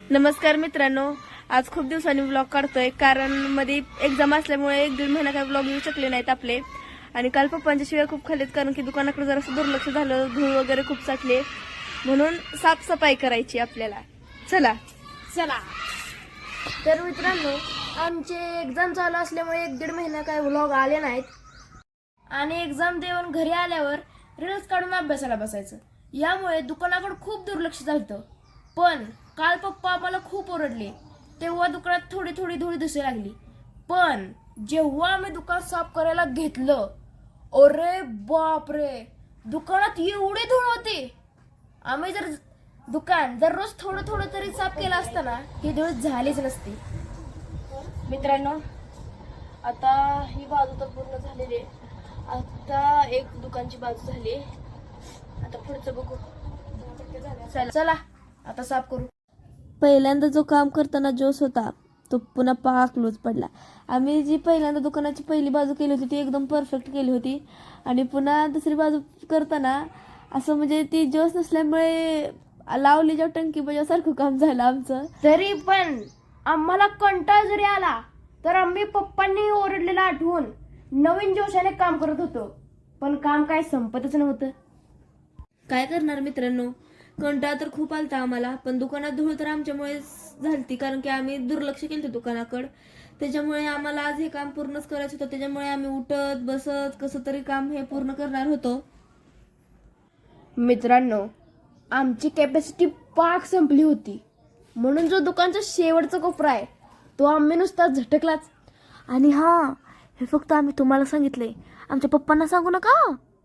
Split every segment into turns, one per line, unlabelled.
नमस्कार मित्रांनो, आज खूप दिवसांनी व्लॉग काढतोय कारण मध्ये एक्झाम असल्यामुळे 1-1.5 महिना काही व्लॉग येऊ शकले नाहीत आपले. आणि काल पप्पांच्या शिवाय खूप खाल्लेत कारण की दुकानाकडे जरासं दुर्लक्ष झालं, धूळ वगैरे खूप साठले, म्हणून साफसफाई करायची आपल्याला. चला
चला. तर मित्रांनो, आमचे एक्झाम चालू असल्यामुळे 1-1.5 महिना काही व्लॉग आले नाहीत आणि एक्झाम देऊन घरी आल्यावर रील्स काढून अभ्यासाला बसायचं. यामुळे दुकानाकडे खूप दुर्लक्ष झालं. पण काल पप्पा आम्हाला खूप ओरडले. तेव्हा दुकानात थोडी थोडी धूळ दिसायला लागली. पण जेव्हा आम्ही दुकान साफ करायला घेतलं, अरे बापरे, दुकानात एवढी धूळ होती. आम्ही जर दुकान दररोज थोडं थोडं तरी साफ केलं असतं ना, ही धूळ झालीच नसती.
मित्रांनो, आता ही बाजू तर पूर्ण झालेली आहे. आता एक दुकानची बाजू झाली, आता पुढचं बघू.
चला आता साफ करू.
पहिल्यांदा जो काम करताना जोश होता तो पुन्हा पाक लूज पडला. आम्ही जी पहिल्यांदा दुकानाची पहिली बाजू केली होती ती एकदम परफेक्ट केली होती आणि पुन्हा दुसरी बाजू करताना असं म्हणजे ती जोश नसल्यामुळे लावलीच्या टंकी बजावसारखं काम झालं आमचं.
तरी पण आम्हाला कंटाळ जरी आला तर आम्ही पप्पांनी ओरडलेला आठवून नवीन जोशाने काम करत होतो. पण काम काय संपतच नव्हतं.
काय करणार मित्रांनो, कंटाळा तर खूप आलता आम्हाला, पण दुकानात धूळ तर आमच्यामुळे झालती कारण की आम्ही दुर्लक्ष केलं दुकानाकडे. त्याच्यामुळे आम्हाला आज हे काम पूर्णच करायचं होतं. त्याच्यामुळे आम्ही उठत बसत कसं तरी काम हे पूर्ण करणार होतो.
मित्रांनो, आमची कॅपॅसिटी पाक संपली होती, म्हणून जो दुकानचा शेवटचा कोपरा आहे तो आम्ही नुसता झटकलाच.
आणि हा, हे फक्त आम्ही तुम्हाला सांगितलंय, आमच्या पप्पांना सांगू नका.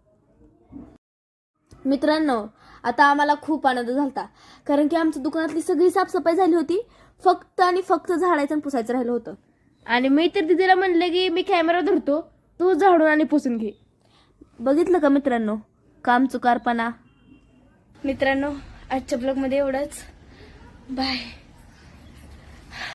मित्रांनो, आता आम्हाला खूप आनंद झाला कारण की आमच्या दुकानातली सगळी साफसफाई झाली होती. फक्त आणि फक्त झाडायचं आणि पुसायचं राहिलं होतं.
आणि मी तर दिदीला म्हणले की मी कॅमेरा धरतो, तू झाडून आणि पुसून घे.
बघितलं का मित्रांनो, काम चुकारपणा. मित्रांनो, आजच्या ब्लॉगमध्ये एवढंच. बाय.